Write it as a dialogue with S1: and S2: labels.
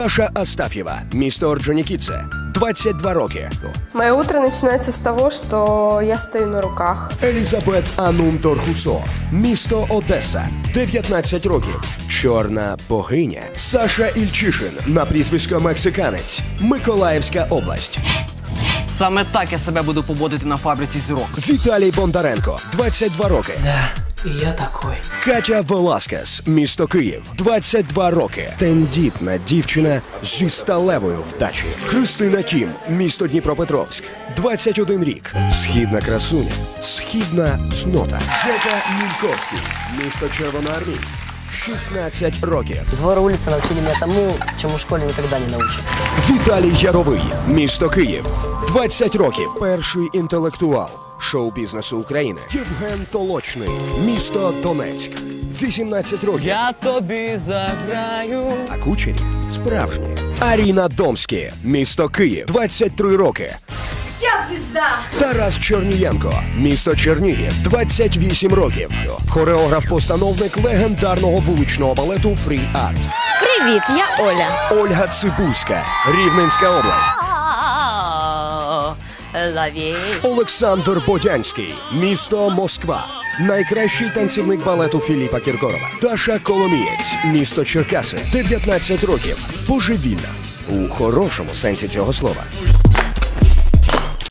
S1: Даша Астафьева, місто Орджонікідзе, 22 роки.
S2: Мое утро начинается с того, что я стою на руках.
S1: Елізабет Анум-Торхусо, місто Одеса, 19 років. Чорна богиня. Саша Ільчишин, на прізвисько Мексиканець, Миколаївська область.
S3: Саме так я себе буду поводити на фабриці зірок.
S1: Віталій Бондаренко, 22 роки.
S4: Да, и я такой.
S1: Катя Веласкес, місто Київ, 22 роки. Тендітна дівчина зі сталевою вдачею. Христина Кім, місто Дніпропетровськ, 21 рік. Східна красуня, східна цнота. Жека Мільковський, місто Червоноармійськ, 16 років.
S5: Двор улицы научили меня тому, чему в школе никогда не научат.
S1: Віталій Яровий, місто Київ, 20 років. Перший інтелектуал шоу-бізнесу України. Євген Толочний, місто Донецьк, 18 років.
S3: Я тобі заграю.
S1: А кучері справжні. Аріна Домські, місто Київ, 23 роки.
S2: Я звезда!
S1: Тарас Чернієнко, місто Чернігів, 28 років. Хореограф-постановник легендарного вуличного балету Free Art.
S6: Привіт, я Оля.
S1: Ольга Цибульська, Рівненська область.
S6: Лаві.
S1: Олександр Бодянський, місто Москва. Найкращий танцівник балету Філіпа Кіркорова. Даша Коломієць, місто Черкаси, 19 років. Божевільна. У хорошому сенсі цього слова.